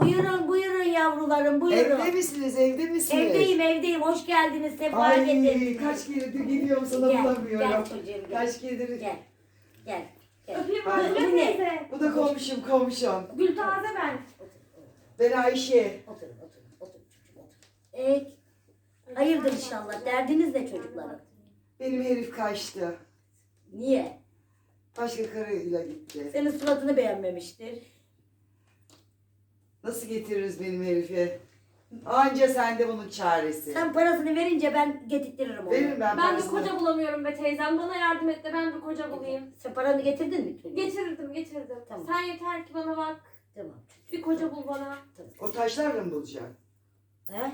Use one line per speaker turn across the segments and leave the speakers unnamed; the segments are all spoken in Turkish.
Buyurun buyurun yavrularım buyurun.
Evde misiniz? Evde misiniz?
Evdeyim hoş geldiniz sefa
Ay
getirdiniz.
kaç keredir geliyorum sana
Gel
bulamıyorum.
çocuğum gel.
Kaç keredir.
Gel.
Öpeyim
Ay,
ben
bu ne?
teyze.
Bu da komşum.
Gültaze ben.
Ben Ayşe.
Oturun çocuğum otur. Hayırdır inşallah derdiniz ne çocuklarım?
Benim herif kaçtı.
Niye?
Başka karıyla gitti.
Senin suratını beğenmemiştir.
Nasıl getiririz benim herifi? Anca sende bunun çaresi.
Sen parasını verince ben getirtirim onu.
Veririm ben
Ben bir
parasını.
koca bulamıyorum be teyzem. Bana yardım et de ben bir koca bulayım.
Sen paranı getirdin mi çocuğum?
Getirdim.
Tamam.
Sen yeter ki bana bak.
Tamam.
Bir koca bul bana.
Tamam.
O taşlarla mı bulacaksın?
He?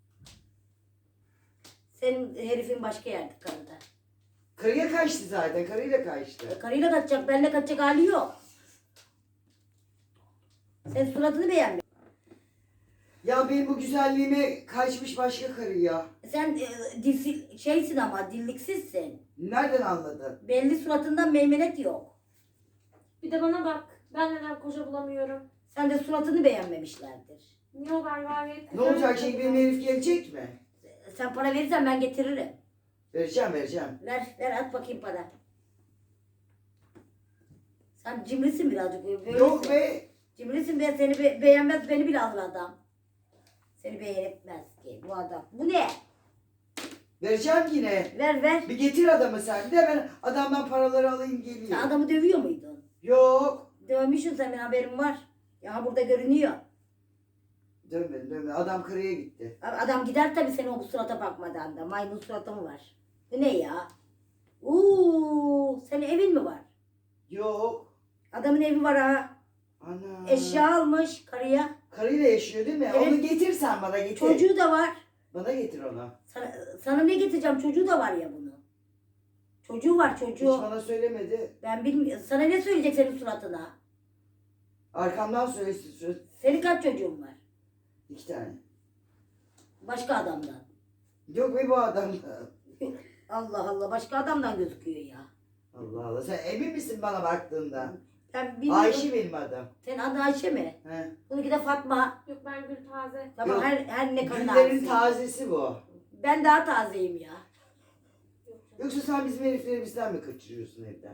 Senin herifin başka yerde karıda.
Karıya kaçtı zaten. Karıyla kaçtı.
Karıyla kaçacak, benimle kaçacak hali yok. Sen suratını beğenme.
Ya benim bu güzelliğime kaçmış başka karıya.
Sen şeysin ama dilliksizsin.
Nereden anladın?
Belli suratından meymenet yok.
Bir de bana bak. Ben neden koca bulamıyorum?
Sen de suratını beğenmemişlerdir.
Niye o ben gayet
Ne olacak şimdi benim herif gelecek mi?
Sen para verirsen ben getiririm.
Vereceğim.
Ver at bakayım para. Sen cimrisin birazcık. Böylesin.
Yok be.
Cimrisin be, seni beğenmez beni bile alır adam. Seni beğenmez ki bu adam. Bu ne?
Vereceğim yine.
Ver.
Bir getir adamı sen. Bir de ben adamdan paraları alayım
Sen
geleyim.
adamı dövüyor muydun?
Yok.
Dövmüşsün sen, benim haberim var. Ya burada görünüyor.
Dönmedim. Adam karıya gitti.
Adam gider tabii senin o surata bakmadan da. Maymun suratı mı var? Bu ne ya? Senin evin mi var?
Yok.
Adamın evi var ha.
Ana.
Eşya almış karıya.
Karıyla yaşıyor değil mi?
Evet.
Onu getir sen bana getir.
Çocuğu da var.
Bana getir onu.
Sana ne getireceğim? Çocuğu da var ya bunun. Çocuğu var
Hiç
çocuğu.
bana söylemedi.
Ben bilmiyorum. Sana ne söyleyecek senin suratına?
Arkamdan söylesin.
Senin kaç çocuğun var?
2 tane.
Başka adamdan.
Yok be bu adam.
Allah Allah, başka adamdan gözüküyor ya.
Allah Allah. Sen emin misin bana baktığında?
Ben bilmiyorum.
Ayşe benim adım.
Senin adın Ayşe mi?
He.
Bununki de Fatma.
Yok ben Gültaze.
Tamam,
Yok.
her ne kadar
Güllerin
ağzı.
tazesi bu.
Ben daha tazeyim ya.
Yok canım.
Yoksa sen bizim herifleri bizden mi kaçırıyorsun evden?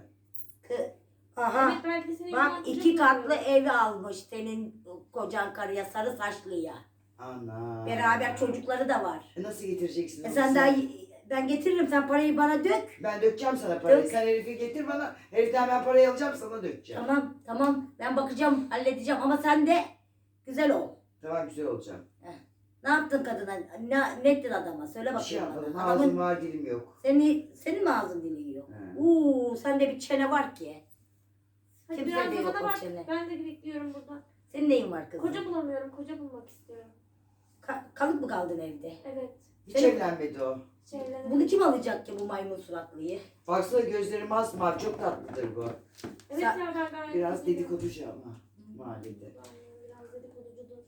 Aha.
Evet belki de senin
Bak
yüzünden
2
koca
katlı
bulamıyorum.
evi almış senin kocan karıya, sarı saçlıya.
Ana.
Beraber çocukları da var.
Nasıl getireceksin onu
Sen daha ben getiririm, sen parayı bana dök.
Ben dökeceğim sana parayı.
Dök.
Sen herifi getir bana. Heriften ben parayı alacağım sana dökeceğim.
Tamam ben bakacağım, halledeceğim ama sen de güzel ol.
Tamam güzel olacağım.
Ne yaptın kadına? Ne ettin adama? Söyle
Bir şey
bakayım
yapmadım.
bana.
Ağzım var dilim yok.
Senin mi ağzın dilin yok?
He.
Sende bir çene var ki.
Hadi
Kimse
biraz
de
da
yok
bana
o
bak.
çene.
Ben de bekliyorum burada.
Senin neyin var kızım?
Koca bulamıyorum. Koca bulmak istiyorum.
Kalıp mı kaldın evde?
Evet.
Hiç
Senin-
evlenmedi o.
Şeylerim.
Bunu kim alacak ki bu maymun suratlıyı?
Baksana gözleri masmavi. Çok tatlıdır bu.
Evet
Sen-
ya ben gayet
Biraz
iyiyim.
dedikoducu ama. Mahallede.
Aynen, biraz dedikoducudur.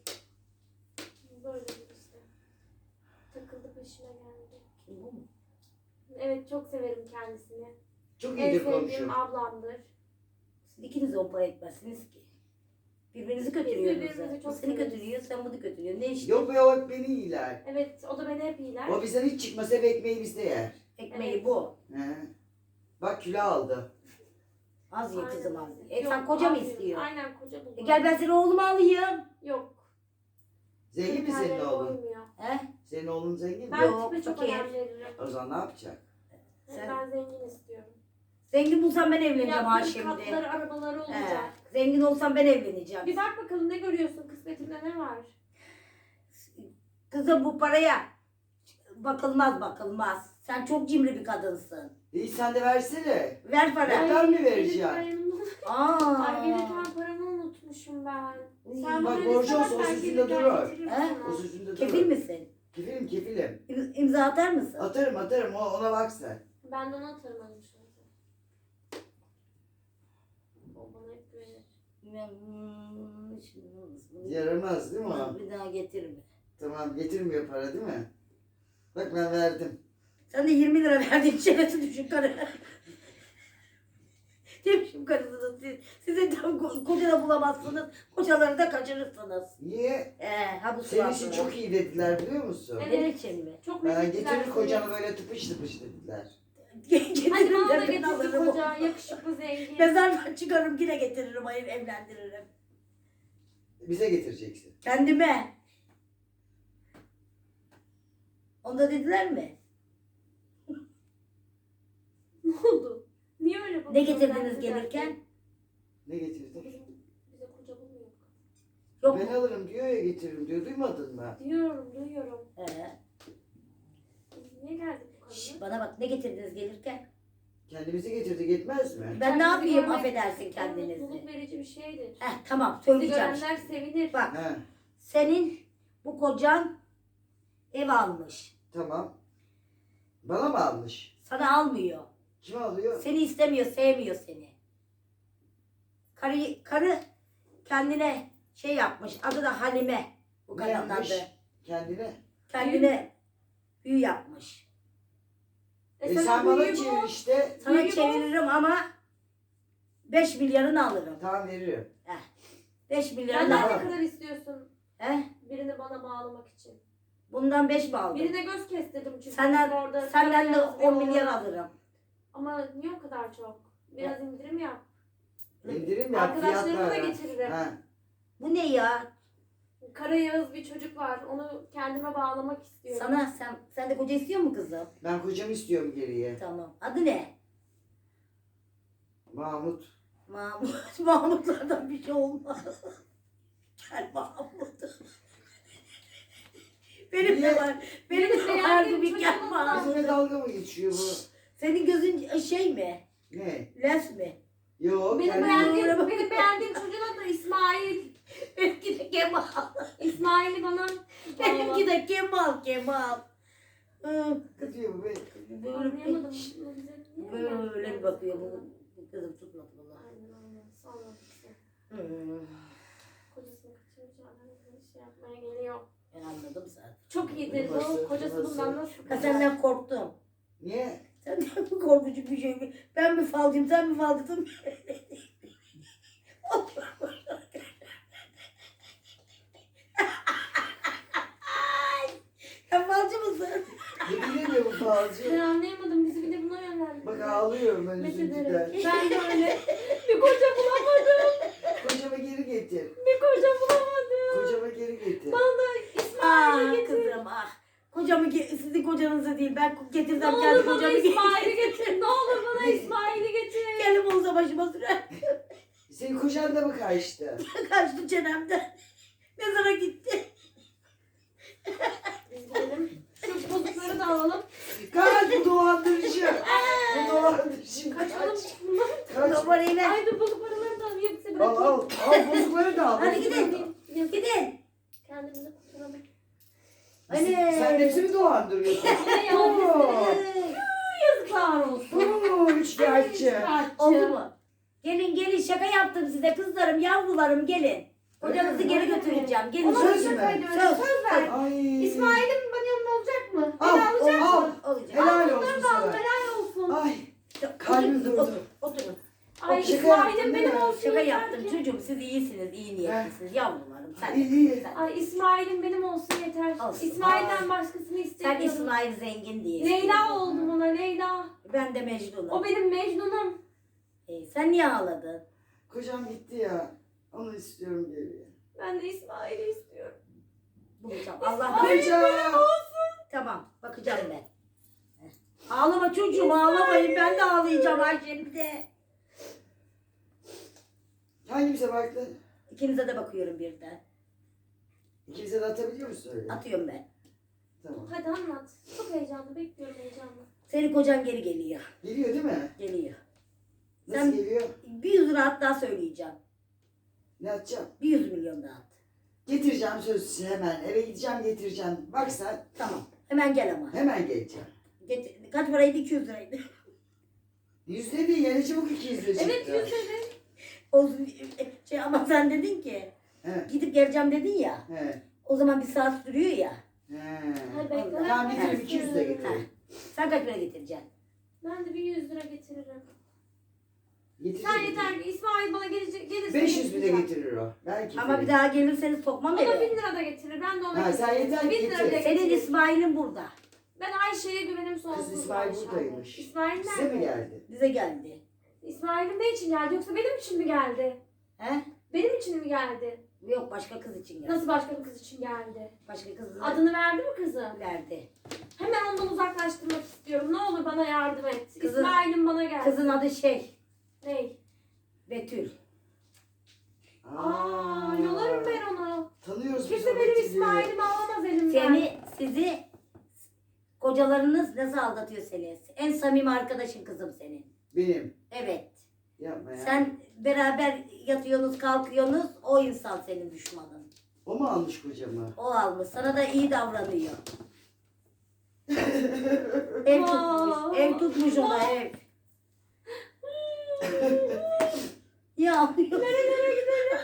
Böyledir işte. Takıldı peşime geldi.
Kim bu mu?
Evet çok severim kendisini.
Çok
En
iyidir
sevdiğim
komşu.
ablamdır.
Siz ikiniz de on para etmezsiniz ki. Birbirinizi
birbirimizi
kötülüyorsunuz.
çok
Bu seni
severiz.
kötülüyor, sen bunu kötülüyorsun. Ne işte?
Yok be o hep beni iyiler.
Evet o da beni hep iyiler.
O bizden hiç çıkmasa hep ekmeği bizde yer.
Ekmeği
Evet.
bu.
He. Bak kilo aldı.
Az ye
Aynen.
kızım az ye.
Yok,
Sen koca mı
abi,
istiyor?
Aynen koca bulmak.
Gel ben seni oğluma alayım.
Yok.
Zengin mi senin
kriterlere
oğlun?
uymuyor.
He?
Senin oğlun zengin mi?
Ben
Yok,
tipe çok
fakir.
önem veririm.
O zaman ne yapacak?
Sen-
Ben zengin istiyorum.
Zengin bulsam ben evleneceğim ha
Yaptığım
şimdi.
katları, arabaları olacak.
He. Zengin olsam ben evleneceğim.
Bir bak bakalım ne görüyorsun kısmetinde ne var?
Kızım bu paraya bakılmaz. Sen çok cimri bir kadınsın.
İyi sen de versene.
Ver para.
Ben mi vereceğim?
Ay
Aa.
gelirken paramı unutmuşum ben.
Uy.
Sen
Bak,
bana
borcu
lütfen
olsa o
sen
sizin de
gelirken
durur.
getirir
He?
bana.
O sözünde
Kefil
durur.
misin?
Kefilim.
İmza atar mısın?
Atarım. Ona bak sen.
Ben de ona atarım hanım şu anda. O bana hep güvenir.
Yaramaz değil mi o?
Bir daha getirme.
Tamam getirmiyor para değil mi? Bak ben verdim.
Sen de 20 lira verdin, çenesi düşün karı. Demişim karısınız siz. Size de koca da bulamazsınız. Kocaları da kaçırırsınız.
Niye?
Ha bu
Senin için
suratla.
çok iyi dediler biliyor musun?
Evet.
Benim için mi?
Çok
Ha,
mutlular
getirir
seni.
kocanı böyle tıpış tıpış dediler.
Hadi
Getiririm
bana da
de ben
getirdi
alırım.
koca. Yakışıklı zengin.
Mezardan çıkarım yine getiririm. Hayır evlendiririm.
Bize getireceksin.
Kendime. Onda dediler mi?
Ne oldu? Niye öyle
Ne
bakıyorsun
getirdiniz
sen
gelirken?
Ne getirdin?
Bize koca bulmuyor.
Yok
Ben
mu?
alırım diyor ya getiririm diyor. Duymadın mı?
Duyuyorum. Biz niye geldik bu
Şş,
kadına?
bana bak ne getirdiniz gelirken?
Kendimizi getirdik yetmez mi?
Ben ne
Kendinizi
yapayım
görmek
affedersin
Mutluluk
kendinizi.
verici bir şeydir.
Tamam
Sizi
söyleyeceğim.
görenler sevinir.
Bak
He,
senin bu kocan ev almış.
tamam. Bana mı almış?
Sana almıyor.
Kim alıyor?
Seni istemiyor, sevmiyor seni. Karı kendine şey yapmış. Adı da Halime. Bu
Ne
kadının
yapmış?
adı.
Kendine.
Kendine büyü yapmış.
Sen bana
büyüğü
çevir
bul.
işte.
Sana
Büyü bu.
çeviririm ama 5 milyarını alırım.
Tamam veriyorum.
5 milyarını
Benden
Tamam.
ne kadar istiyorsun
He?
birini bana bağlamak için?
Bundan 5 mi aldım?
Birine göz kestirdim çünkü.
Senden,
orada
senden de
beyaz
10
bir
milyar
oğlan.
alırım.
Ama niye o kadar çok? Biraz indirim yap.
İndirim yap
Arkadaşlarımı da
fiyatlara.
getiririm.
Ha.
Bu ne ya?
Kara Yağız bir çocuk var. Onu kendime bağlamak istiyorum.
Sana sen de koca istiyor mu kızım?
Ben kocamı istiyorum geriye.
Tamam. Adı ne?
Mahmut.
Mahmut. Mahmutlardan bir şey olmaz. Gel Mahmut. Benim de
Niye?
var. Benim de
Benim
vardı
beğendiğim
bir gel
çocuğum
Mahmut.
Bizimle dalga mı geçiyor bu?
Senin gözün şey mi?
Ne?
Les mi?
Yok.
Benim beğendiğim çocuğun adı İsmail.
Benimki de Kemal.
İsmail'i bana
Benimki de Kemal.
Ne diyor bu be?
anlayamadım.
Böyle bir bakıyor. Bu kızım tutmadı bunlar.
Aynen. Sonra işte. Kocasını kaçırmış adam şey yapmaya geliyor.
Ben anladım zaten.
Çok iyidir
Nasıl?
bu. Kocası
Nasıl?
bundan nasıl?
Ha, senden korktum.
Niye?
Senden mi korkucu bir şey mi? Ben mi falcıyım, sen mi falcısın? Sen falcı mısın?
Ne bileyim ya bu
Ben
falcı.
anlayamadım. Bizi bir de buna yönlendirdi.
Bak ağlıyorum ben
Met
üzüntüden.
ederek. Ben de öyle. Bir koca bulamadım.
Kocama geri getir.
Bir koca bulamadım.
Kocama geri getir.
Bana da İsmail'i getir.
Kızım ah. Sizin kocanızı değil ben
Ne
getirsem
olur
kendi
bana
kocamı
İsmail'i getir. Ne olur bana İsmail'i getir.
Kendim olsa başıma sürer.
Senin kocan da mı kaçtı?
Kaçtı çenemden. Mezara gitti.
Biz gidelim. Şu bozukları da alalım.
Kaç bu dolandırıcı. Bu dolandırıcı.
Kaçalım.
Kaç.
Numarayla.
Ay dur bozuk paraları da alayım. Size
Al
bırakayım.
al. Al bozukları da al.
Hadi
bozukları
gidin.
da al.
Yazık.
Gidin.
Kendimizi kurtaralım.
Anne.
Sen hepsini mi dolandırıyorsun?
Ne ya?
Oo.
Yazıklar olsun.
Oo, üçkağıtçı.
Oldu mu? Gelin şaka yaptım size kızlarım yavrularım gelin. Kocanızı geri götüreceğim. Gelin.
Ona
Söz
söz
mü?
ver.
Söz.
Söz ver.
Ay.
İsmail'im benim yanımda olacak mı?
Al,
Beni alacak
al.
mı?
Olacak.
Helal
Al,
olsun
bunları da al,
sana.
helal olsun.
Ay. kalbim
Oturun,
durdu.
Oturun.
Ay
şaka
İsmail'im
yaptın
benim
değil mi?
olsun.
Şaka
yeter
yaptım
ki.
çocuğum siz iyisiniz iyi niyetlisiniz yavrularım. Sen
İyi, iyi.
sen-
Ay İsmail'im benim olsun yeter.
Olsun.
İsmail'den başkasını
Sen
istemiyorum.
İsmail zengin diye.
Leyla oldum ona Leyla.
Ben de Mecnun'um.
O benim Mecnun'um.
Sen niye ağladın?
Kocam gitti ya. Onu istiyorum geriye.
Ben de İsmail'i istiyorum.
Bulacağım. Allah
Kocam.
Tamam bakacağım ben. Ağlama çocuğum ağlamayın ben de ağlayacağım ay şimdi.
Hangimize baktın?
İkinize de bakıyorum birden.
İkimize de atabiliyor musun öyle?
Atıyorum ben.
Tamam.
Hadi anlat. Çok heyecanlı bekliyorum heyecanla.
Senin kocan geri geliyor.
Geliyor değil mi?
Geliyor.
Nasıl
Sen-
geliyor?
Bir 100 lira at daha söyleyeceğim.
Ne atacağım?
Bir 100 milyon daha at.
Getireceğim söz hemen. Eve gideceğim getireceğim. Bak sen
Tamam. Hemen gel ama.
hemen geleceğim.
Kaç paraydı? 200 liraydı.
100 değil yani çabuk 200 lira çıktı.
Evet 100 dedi.
Olsun. Ama sen dedin ki
He.
gidip geleceğim dedin ya.
He.
O zaman bir saat sürüyor ya.
He.
Hadi bekle.
Tamam
ben
getireyim 200 de
Ha.
getireyim.
Sen kaç para getireceksin?
Ben de bir 100 lira getiririm.
Getirecek.
Sen yeter ki İsmail bana gelirse
500 bile
getireceğim.
getirir o. Belki.
Ama bir daha gelirseniz sokmam
O da 1000
eve.
lira da getirir. Ben de ona
Ha, sen
getiririm.
yeter ki
1000 lira bile
getir.
Senin
getirir.
İsmail'in burada.
Ben Ayşe'ye güvenim sonsuz.
Kız İsmail
Ayşe
buradaymış.
abla. İsmail
Size
nerede?
mi geldi?
Bize geldi.
İsmail'in ne için geldi yoksa benim için mi geldi?
He?
Benim için mi geldi?
Yok başka kız için geldi.
Nasıl başka bir kız için geldi?
Başka kız
Adını verdi mi kızı?
verdi.
Hemen ondan uzaklaştırmak istiyorum. Ne olur bana yardım et.
Kızın-
İsmail'im bana geldi.
Kızın adı
Ney?
Betül.
Yolarım ben onu.
Tanıyoruz biz
Kimse
o
benim
Betül'ü.
İsmail'imi alamaz elimden.
Sizi kocalarınız nasıl aldatıyor seni? En samimi arkadaşın kızım senin.
Benim.
Evet.
Yapma ya.
Sen beraber yatıyorsunuz kalkıyorsunuz o insan senin düşmanın.
O mu almış kocamı?
O almış. Sana da iyi davranıyor. Ev tutmuş. Ev tutmuş ona ev. Ya
Nerelere gidelim?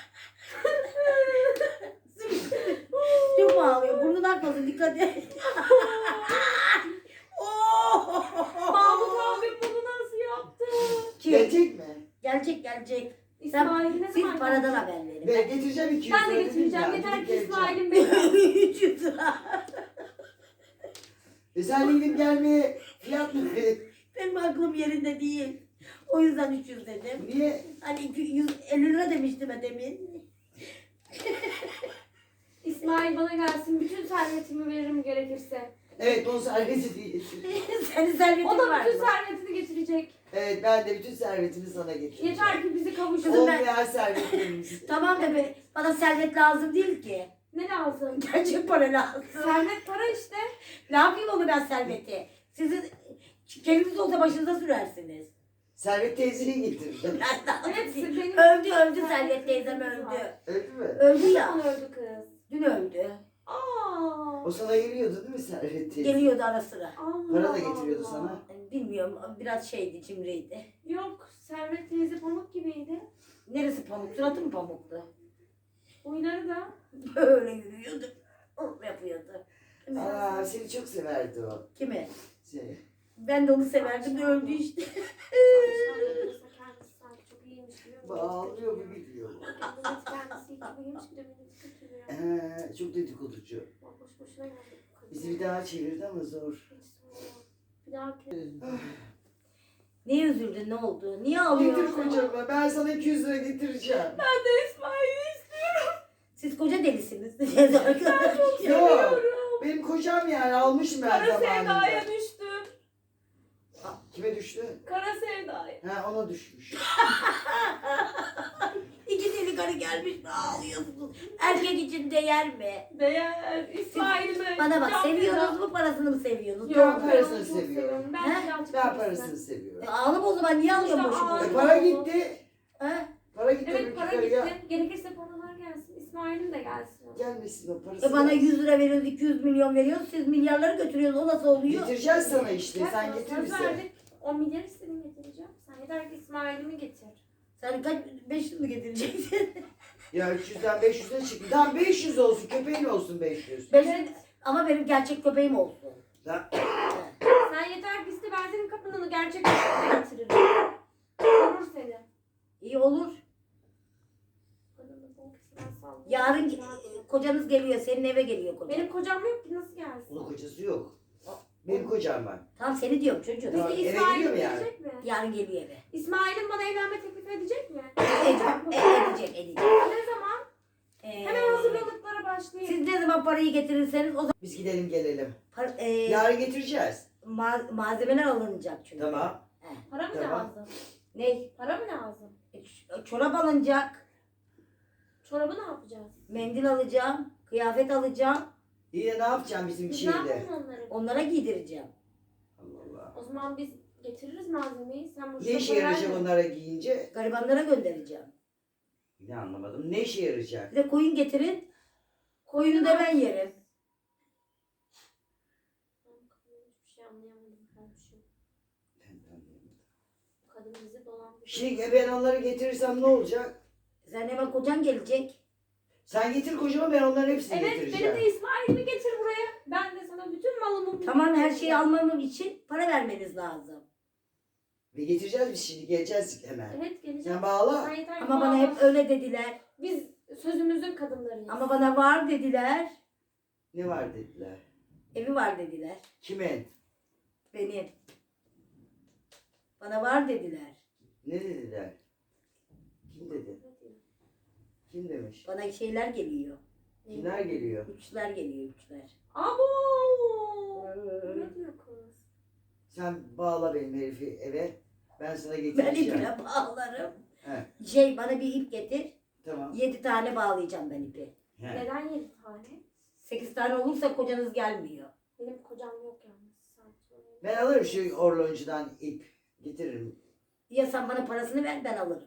çok ağlıyor. Burnun akmasın dikkat et.
Mahmut abim bunu nasıl yaptı?
Kim?
Gelecek mi?
Gelecek.
İsmail'i ne
Siz
zaman
paradan
gelecek?
haber verin.
Ben getireceğim 200
Ben de
lira dedim
getireceğim.
ya,
Yeter
gidip
ki
geleceğim.
İsmail'im benim.
300 lira.
Sen gidip gelmeye fiyat mı verin?
Benim aklım yerinde değil. O yüzden 300 dedim.
Niye?
Hani 250 lira demiştim ben demin.
İsmail bana gelsin. Bütün servetimi veririm gerekirse.
Evet, onun serveti değil.
Senin servetin
O da
var
bütün
şey
mı?
servetini getirecek.
Evet, ben de bütün servetimi sana getireceğim.
Yeter ki bizi kavuştur.
Kızım ben-
Olmayan servetlerimiz.
Tamam da bana servet lazım değil ki.
Ne lazım?
Gerçek para lazım.
Servet para işte.
Ne yapayım onu ben serveti? Sizin kendiniz olsa başınıza sürersiniz.
Servet teyzeyi getireceğim.
Evet, benim-
Öldü Servet teyzem öldü.
Öyle mi?
Öldü
Ne
ya.
zaman öldü kız?
Dün öldü.
Aa.
O sana geliyordu değil mi servet teyze?
Geliyordu ara sıra.
Allah
Para da getiriyordu
Allah.
sana.
Bilmiyorum biraz şeydi cimriydi.
Yok, Servet teyze pamuk gibiydi.
Neresi pamuk? Suratı mı pamuktu?
Huyları da.
Böyle yürüyordu. Yapıyordu.
Aa, seni çok severdi o.
Kimi?
Şey.
Ben de onu severdim de öldü işte.
Kendisi sanki çok iyiymiş gibi.
Bağlıyor mu biliyor.
Kendisi iyi iyiymiş gibi beni kötülüyor.
Çok dedikoducu.
Boş boşuna geldik bu kadın.
Bizi bir daha çevirdi ama zor.
Hiç sorma. Bir daha
Niye üzüldün? Ne oldu? Niye
Getir
ağlıyorsun?
kocama, ben sana 200 lira getireceğim.
Ben de İsmail'i istiyorum.
Siz koca delisiniz. Arkadaşlar.
Yok, benim kocam yani almışım ben
Kara
zamanında.
sevdaya düştüm.
Kime düştü?
Kara sevdaya.
Ha, ona düşmüş.
İki deli karı gelmiş ne ağlıyorsun? Erkek için değer mi?
Değer İsmail'ime.
Bana bak
can
seviyorsunuz
feda.
mu parasını mı seviyorsunuz?
Yok,
Ben
ben
parasını
onu çok
seviyorum.
Ben
He?
birazcık
Ben
parasını.
parasını seviyorum.
Ağlama o zaman niye ağlıyorsun
İşte
boşu
ağlama.
boşuna?
Para gitti.
Ha?
Para gitti.
Evet
öbür
para
yukarıya.
gitti. Gerekirse paralar gelsin. İsmail'im de gelsin.
Gelmesin o parası.
Bana 100 lira veriyoruz, 200 milyon veriyoruz. Siz milyarları götürüyorsunuz. O nasıl oluyor?
Getireceğiz sana işte.
Ben
Sen
sana
getir
söz
bize.
verdik. 10 milyar istedim getireceğim. Sen yeter ki İsmail'imi getir.
Sen kaç 500 mü getireceksin?
Ya 300'den 500'e çıktı. Tamam 500 olsun. Köpeğin olsun 500.
500 ama benim gerçek köpeğim olsun.
Ya,
Sen yeter ki iste ben senin kapını gerçek kapına getiririm. Korur seni.
İyi olur.
Kadının bonkesinden sallıyorum.
Yarın kocanız geliyor. Senin eve geliyor kocan.
Benim kocam yok ki nasıl gelsin?
onun kocası yok. Benim kocam var.
Tamam seni diyorum çocuğum.
Tamam.
Peki
eve
İsmail'im
gidiyor mu yani?
gelecek mi?
Yarın geliyor eve.
İsmail'im bana evlenme teklif edecek mi?
Edecek.
Ne zaman?
Ee,
Hemen hazırlıklara başlayayım.
Siz ne zaman parayı getirirseniz o zaman
Biz gidelim gelelim.
yarın
Yarın getireceğiz.
malzemeler alınacak çünkü.
Tamam.
Para mı
Tamam.
lazım?
Ne?
Para mı lazım?
Çorap alınacak.
Çorabı ne yapacağız?
Mendil alacağım. Kıyafet alacağım.
Yine ne yapacağım bizim
Biz ne
şeyle?
yapalım onları?
Onlara giydireceğim.
Allah Allah.
O zaman biz getiririz malzemeyi. Sen bu
Ne işe yarayacak onlara giyince?
Garibanlara göndereceğim.
Ne anlamadım. Ne işe yarayacak?
Bir de koyun getirin. Koyunu da ben yerim.
Hiçbir şey anlayamadım kardeşim. Bu kadın bizi dolandırdı.
Şimdi ben onları getirirsem ne olacak?
Sen hemen kocan gelecek.
Sen getir kocama, ben onların hepsini
Evet
getireceğim.
benim de İsmail'imi getir buraya. Ben de sana bütün malımı...
Tamam her şeyi almam için para vermeniz lazım.
Ve getireceğiz biz şimdi. Geleceğiz hemen.
Evet geleceğim.
Sen bağla.
Sen yeter ki
Ama bana
bağla.
hep öyle dediler.
Biz sözümüzün kadınlarıyız.
Ama bana var dediler.
Ne var dediler.
Evi var dediler.
Kimin?
Benim. Bana var dediler.
Ne dediler? Kim dedi? Kim demiş?
Bana şeyler geliyor.
Kimler geliyor?
Üçler geliyor, üçler.
Abo! Ne diyor kız?
Sen bağla benim herifi eve. Ben sana
Ben
getireceğim.
ipine bağlarım.
He,
Bana bir ip getir.
tamam.
7 tane bağlayacağım ben ipi.
He.
Neden 7 tane?
8 tane olursa kocanız gelmiyor.
Benim kocam yok yalnız. Sadece.
Ben alırım şu orloncudan ip. Getiririm.
Ya sen bana parasını ver, ben alırım.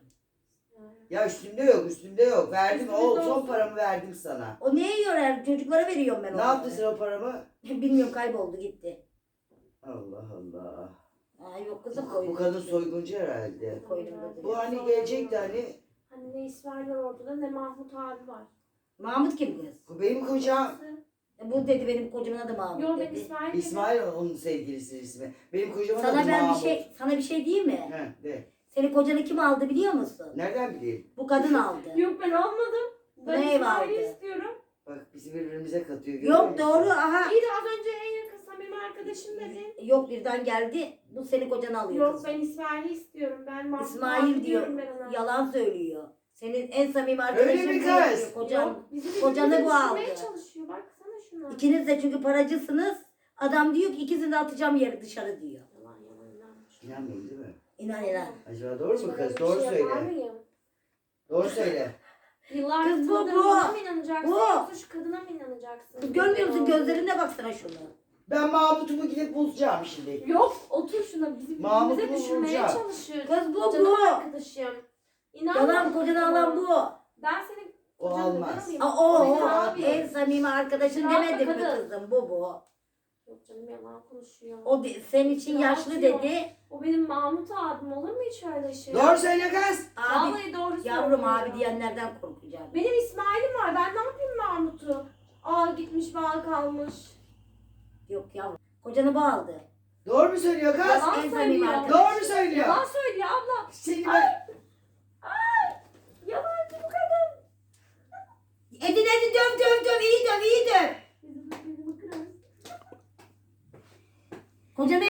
Ya üstümde yok, üstümde yok. Verdim,
Üstünde
o son
olsun.
paramı verdim sana.
O neye yorar? Çocuklara veriyorum ben
Ne
onları.
yaptın sen o paramı?
Bilmiyorum, kayboldu gitti.
Allah Allah.
Aa, yok kızım koydum.
Bu kadın soyguncu herhalde.
Koydum.
Bu hani gelecekti hani.
Hani ne İsmail var ortada ne Mahmut abi var.
Mahmut kim kız?
Bu benim kocam.
Bu dedi benim kocamın adı Mahmut
Yok ben
dedi.
İsmail dedim.
İsmail onun sevgilisi ismi. Benim kocamın adı
Sana ben bir
Mahmut.
sana bir şey diyeyim mi?
He, de.
Senin kocanı kim aldı biliyor musun?
Nereden bileyim?
Bu kadın aldı.
Yok ben almadım. Ben
Ne
İsmail'i
vardı?
istiyorum.
Bak bizi birbirimize katıyor. görüyor
Yok
musun?
doğru, aha.
İyi de az önce en yakın samimi arkadaşım dedin.
Yok birden geldi. Bu senin kocanı alıyor
Yok
kızım.
ben İsmail'i istiyorum. Ben Mahmut abi
İsmail diyor.
diyorum ben ona.
Yalan söylüyor. Senin en samimi arkadaşın
Öyle mi
bu
kız?
diyor, Kocan.
Yok bizi
Kocanı
birbirimize
bu aldı.
düşürmeye çalışıyor. Baksana şuna.
İkiniz de çünkü paracısınız. Adam diyor ki ikisini de atacağım yere dışarı diyor.
Yalan yalan inanmış.
İnanmayın değil mi?
İnan inan.
Acaba doğru mu
Şöyle
kız?
bir
Doğru
şey yapar
söyle.
mıyım?
Doğru söyle.
Yıllardır
Kız bu,
tanıdığın
bu.
bana mı inanacaksın
Bu.
yoksa şu kadına mı inanacaksın?
Kız görmüyor musun gözlerine baksana şunu.
Ben Mahmut'umu gidip bulacağım şimdi.
Yok otur şuna bizi
Mahmut'u
birbirimize düşürmeye
vuracağım.
çalışıyor.
Kız bu,
Canım
bu.
arkadaşım. İnanma.
Yalan kocanı alan bu.
Ben senin
O
kocanı neden
almaz.
alayım?
Aa, o,
Benim
o.
abi.
En samimi arkadaşın
Rahatla
demedim mi
kadın.
kızım? Bu.
Yok canım yalan konuşuyor.
O senin için
Ya
yaşlı
atıyor.
dedi.
O benim Mahmut abim olur mu hiç öyle şey?
Doğru söyle kız.
Abi,
Vallahi doğru
yavrum
söylüyor.
abi diyenlerden korkacağım.
Benim İsmail'im var. Ben ne yapayım Mahmut'u? Aa gitmiş bağ kalmış.
Yok yavrum. Kocanı bağladı.
Doğru mu söylüyor kız?
Yalan
en samimi
söylüyor.
arkadaş.
Doğru mu söylüyor?
Yalan söylüyor abla.
Seni ben...
Yalancı bu kadın.
Edin döv iyi döv.
Bizim kızımı kırar.
Kocanı